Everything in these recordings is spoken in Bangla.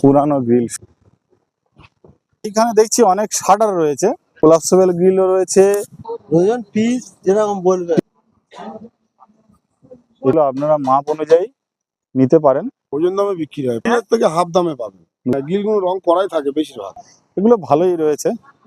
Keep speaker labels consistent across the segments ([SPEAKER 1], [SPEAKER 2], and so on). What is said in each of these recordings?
[SPEAKER 1] পুরানো গ্রিল। এখানে দেখছি অনেক শাটার রয়েছে, কোলাপসেবল গ্রিলও রয়েছে।
[SPEAKER 2] ওজন পিস যেরকম বলবে
[SPEAKER 1] এগুলো আপনারা মাপ অনুযায়ী নিতে পারেন।
[SPEAKER 3] ওজন দামে বিক্রি হয়, এর থেকে হাফ দামে পাবেন। গ্রিলগুলো রং করাই থাকে বেশিরভাগ।
[SPEAKER 1] এগুলো ভালোই রয়েছে।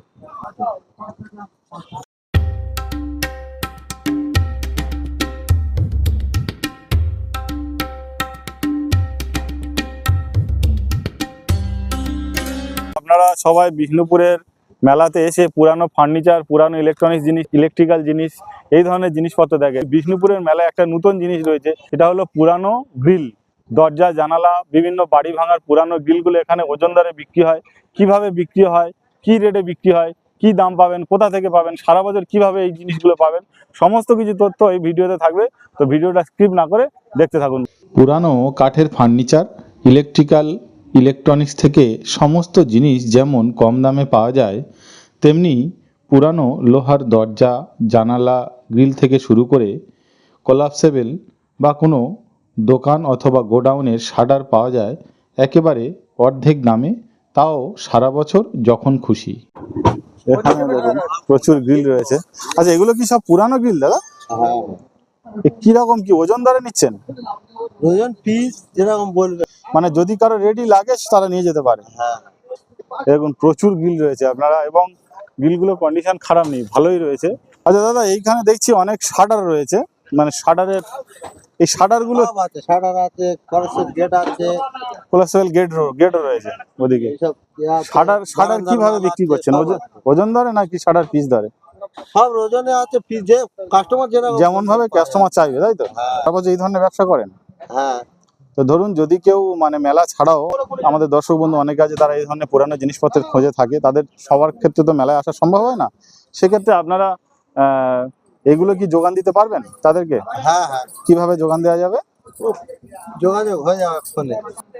[SPEAKER 1] আপনারা সবাই বিষ্ণুপুরের মেলাতে এসে পুরানো ফার্নিচার, পুরানো ইলেকট্রনিক্স জিনিস, ইলেকট্রিক্যাল জিনিস, এই ধরনের জিনিসপত্র দেখে। বিষ্ণুপুরের মেলায় একটা নতুন জিনিস রয়েছে, সেটা হলো পুরানো গ্রিল, দরজা জানালা, বিভিন্ন বাড়ি ভাঙার পুরানো গ্রিলগুলো এখানে ওজন দরে বিক্রি হয়। কিভাবে বিক্রি হয়, কি রেটে বিক্রি হয়, কি দাম পাবেন, কোথা থেকে পাবেন, সারা বছর কিভাবে এই জিনিসগুলো পাবেন, সমস্ত কিছু তথ্য এই ভিডিওতে থাকবে। তো ভিডিওটা স্কিপ না করে দেখতে থাকুন।
[SPEAKER 4] পুরানো কাঠের ফার্নিচার, ইলেকট্রিক্যাল, ইলেকট্রনিক্স থেকে সমস্ত জিনিস যেমন কম দামে পাওয়া যায়, তেমনি পুরানো লোহার দরজা জানালা গ্রিল থেকে শুরু করে কোলাপসেবল বা কোনো দোকান অথবা গোডাউনের শাটার পাওয়া যায় একেবারে অর্ধেক দামে, তাও সারা বছর যখন খুশি।
[SPEAKER 1] এখানে দেখুন প্রচুর গ্রিল রয়েছে। আচ্ছা, এগুলো কি সব পুরানো গ্রিল দাদা? কিরকম কি ওজন দরে নিচ্ছেন?
[SPEAKER 2] ওজন পিস যেরকম বলবে,
[SPEAKER 1] মানে যদি কারো রেডি লাগে তারা নিয়ে যেতে পারে। দেখুন প্রচুর গ্রিল রয়েছে আপনারা, এবং গ্রিলগুলো কন্ডিশন খারাপ নেই, ভালোই রয়েছে। আচ্ছা দাদা, এইখানে দেখছি অনেক শাটার রয়েছে, মানে শাটারের এই শাটারগুলো
[SPEAKER 2] সব আছে, শাটার আছে, কলেজের গেট আছে,
[SPEAKER 1] কোলাপসেবল গেটও রয়েছে ওদিকে।
[SPEAKER 2] এইসব আছে।
[SPEAKER 1] শাটার কিভাবে বিক্রি করছেন? ওজন ধরে নাকি শাটার পিস ধরে?
[SPEAKER 2] সব ওজনে আছে, পিস যে কাস্টমার
[SPEAKER 1] যেমন ভাবে কাস্টমার চাইবে, তাই তো? তারপর এই ধরনের ব্যবসা করেন?
[SPEAKER 2] হ্যাঁ।
[SPEAKER 1] তো ধরুন যদি কেউ মানে মেলা ছাড়াও, আমাদের দর্শক বন্ধু অনেকে আছে তারা এই ধরনের পুরানো জিনিসপত্রের খোঁজে থাকে, তাদের সবার ক্ষেত্রে তো মেলায় আসা সম্ভব হয় না, সেক্ষেত্রে আপনারা এগুলো কি যোগান দিতে পারবেন তাদেরকে?
[SPEAKER 2] হ্যাঁ হ্যাঁ,
[SPEAKER 1] কিভাবে যোগান দেওয়া যাবে?
[SPEAKER 2] যোগাযোগ হয়ে যাবে ফোনে।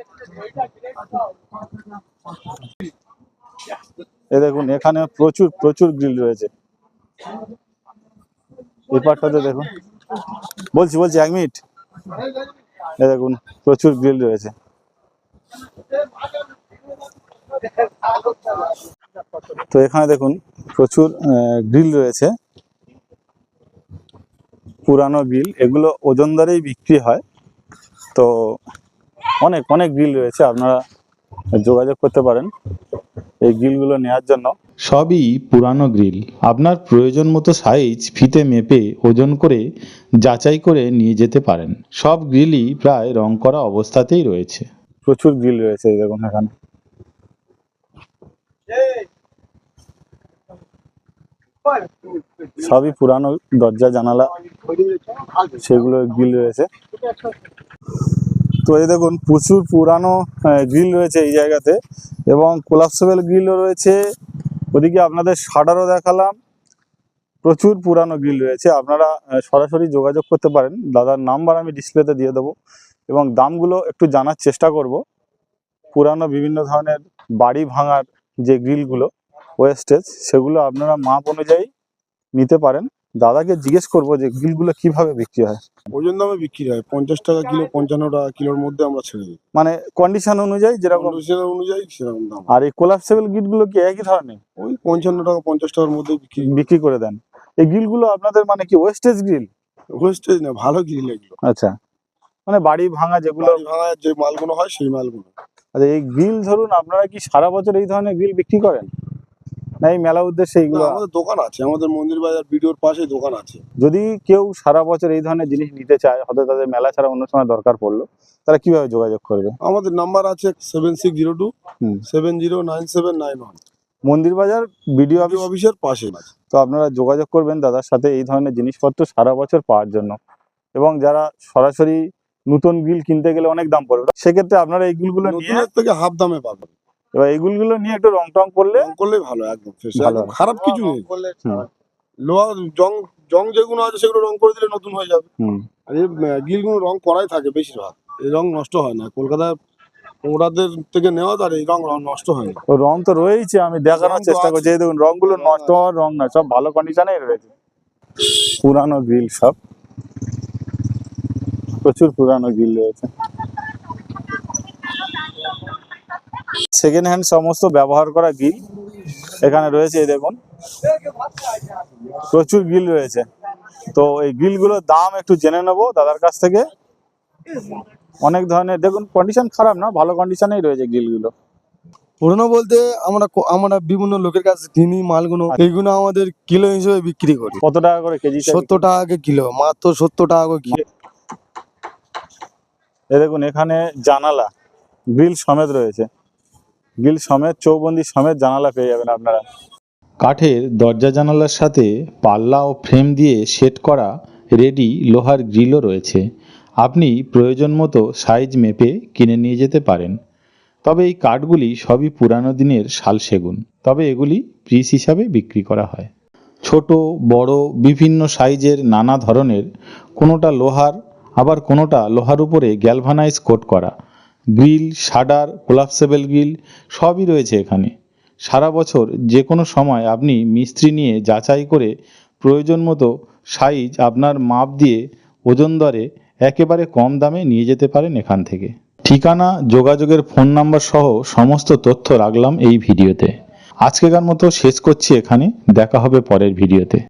[SPEAKER 1] এই দেখুন এখানে প্রচুর প্রচুর গ্রিল রয়েছে। এই পার্টটাতে দেখুন, বলছি 1 মিনিট। এই দেখুন প্রচুর গ্রিল রয়েছে। তো এখানে দেখুন প্রচুর গ্রিল রয়েছে, পুরানো গ্রিল, এগুলো ওজন দরেই বিক্রি হয়। তো অনেক অনেক গ্রিল রয়েছে, আপনারা যোগাযোগ করতে পারেন এই গ্রিলগুলো নেওয়ার জন্য।
[SPEAKER 4] সবই পুরানো গ্রিল, আপনার প্রয়োজন মতো সাইজ ফিতে মেপে ওজন করে যাচাই করে নিয়ে যেতে পারেন। সব গ্রিলই প্রায় রং করা অবস্থাতেই রয়েছে।
[SPEAKER 1] প্রচুর গ্রিল রয়েছে এই দেখুন এখানে। সবই পুরানো দরজা জানালা, সেগুলো গ্রিল রয়েছে। তো এই দেখুন প্রচুর পুরানো গ্রিল রয়েছে এই জায়গাতে, এবং কোলাপসেবল গ্রিলও রয়েছে। ওদিকে আপনাদের শাটারও দেখালাম, প্রচুর পুরানো গ্রিল রয়েছে। আপনারা সরাসরি যোগাযোগ করতে পারেন, দাদার নাম্বার আমি ডিসপ্লেতে দিয়ে দেবো, এবং দামগুলো একটু জানার চেষ্টা করব। পুরানো বিভিন্ন ধরনের বাড়ি ভাঙার যে গ্রিলগুলো ওয়েস্টেজ, সেগুলো আপনারা মাপ অনুযায়ী নিতে পারেন। দাদাকে জিজ্ঞেস করবো যে গ্রিলগুলো কিভাবে বিক্রি হয়।
[SPEAKER 3] ওজন দামে বিক্রি হয়, 50 টাকা কিলো, 55 টাকা কিলোর মধ্যে আমরা ছেড়ে দিই।
[SPEAKER 1] মানে কন্ডিশন অনুযায়ী যেরকম
[SPEAKER 3] অনুযায়ী সেরকম দাম।
[SPEAKER 1] আর এই কোলাপসেবল গ্রিলগুলো কি একই ধরনের?
[SPEAKER 3] ওই 55 টাকা 50 টাকার মধ্যে
[SPEAKER 1] বিক্রি করে দেন। এই গ্রিলগুলো আপনাদের মানে কি ওয়েস্টেজ গ্রিল?
[SPEAKER 3] ওয়েস্টেজ না, ভালো গ্রিল এগুলো।
[SPEAKER 1] আচ্ছা, মানে বাড়ি ভাঙা যেগুলো,
[SPEAKER 3] বাড়ি ভাঙা যে মালগুলো হয় সেই মালগুলো।
[SPEAKER 1] আচ্ছা, এই গ্রিল ধরুন আপনারা কি সারা বছর এই ধরনের গ্রিল বিক্রি করেন, না এই মেলা উদ্দেশ্যে এইগুলো?
[SPEAKER 3] আমাদের দোকান আছে, আমাদের মন্দির বাজার ভিডিওর পাশে দোকান আছে।
[SPEAKER 1] যদি কেউ সারা বছর এই ধরনের জিনিস নিতে চায়, হয়তো তাদের মেলা ছাড়া অন্য সময় দরকার পড়লো, তারা কিভাবে যোগাযোগ করবে?
[SPEAKER 3] আমাদের নাম্বার আছে 7602 709791,
[SPEAKER 1] মন্দির বাজার বিডিও
[SPEAKER 3] অফিসের পাশে।
[SPEAKER 1] তো আপনারা যোগাযোগ করবেন দাদার সাথে এই ধরনের জিনিসপত্র সারা বছর পাওয়ার জন্য। এবং যারা সরাসরি নতুন গ্রিল কিনতে গেলে অনেক দাম পড়বে, সেক্ষেত্রে আপনারা এই গ্রিলগুলো নিয়ে
[SPEAKER 3] থেকে হাফ দামে পাবেন।
[SPEAKER 1] এবার এই গ্রিলগুলো নিয়ে একটু রং টং করলে
[SPEAKER 3] ভালো, একদম খারাপ কিছু নেই। লোহা জং যেগুলো আছে সেগুলো রং করে দিলে নতুন হয়ে যাবে। আর এই গ্রিলগুলো রং করাই থাকে বেশিরভাগ, এই রং নষ্ট হয় না। কলকাতায় ওরাদের থেকে নেওয়া, আর এই রং নষ্ট হয় না।
[SPEAKER 1] রং তো রয়েছে, আমি দেখানোর চেষ্টা করছি। এই দেখুন রংগুলো নষ্ট হওয়ার রং না, সব ভালো কন্ডিশনেই রয়েছে। পুরানো গ্রিল, সব প্রচুর পুরানো গ্রিল রয়েছে। সেকেন্ড হ্যান্ড সমস্ত ব্যবহার করা গিল এখানে রয়েছে। এই দেখুন প্রচুর গিল রয়েছে। তো এই গিলগুলোর দাম একটু জেনে নেবো দাদার কাছ থেকে। অনেক ধরনের, দেখুন কন্ডিশন খারাপ না, ভালো কন্ডিশনেই রয়েছে গিলগুলো।
[SPEAKER 5] পুরনো বলতে আমরা বিভিন্ন লোকের কাছে কিনি মালগুলো, এইগুলো আমাদের কিলো হিসেবে বিক্রি করি।
[SPEAKER 1] কত টাকা করে কেজি?
[SPEAKER 5] 70 টাকা করে কিলো, মাত্র 70 টাকা করে কিলো।
[SPEAKER 1] এই দেখুন এখানে জানালা গ্রিল সমেত রয়েছে, গ্রিল সমেত চৌবন্দি সমেত জানালা পেয়ে যাবেন আপনারা।
[SPEAKER 4] কাঠের দরজা জানালার সাথে পাল্লা ও ফ্রেম দিয়ে সেট করা রেডি লোহার গ্রিলও রয়েছে। আপনি প্রয়োজন মতো সাইজ মেপে কিনে নিয়ে যেতে পারেন। তবে এই কাঠগুলি সবই পুরানো দিনের শাল সেগুন, তবে এগুলি পিস হিসাবে বিক্রি করা হয়। ছোট বড় বিভিন্ন সাইজের নানা ধরনের, কোনোটা লোহার আবার কোনোটা লোহার উপরে গ্যালভানাইজ কোট করা গ্রিল, শাটার, কোলাপসেবল গ্রিল সবই রয়েছে এখানে। সারা বছর যে কোনো সময় আপনি মিস্ত্রি নিয়ে যাচাই করে প্রয়োজন মতো সাইজ আপনার মাপ দিয়ে ওজন দরে একেবারে কম দামে নিয়ে যেতে পারেন এখান থেকে। ঠিকানা, যোগাযোগের ফোন নাম্বার সহ সমস্ত তথ্য রাখলাম এই ভিডিওতে। আজকেকার মতো শেষ করছি এখানে, দেখা হবে পরের ভিডিওতে।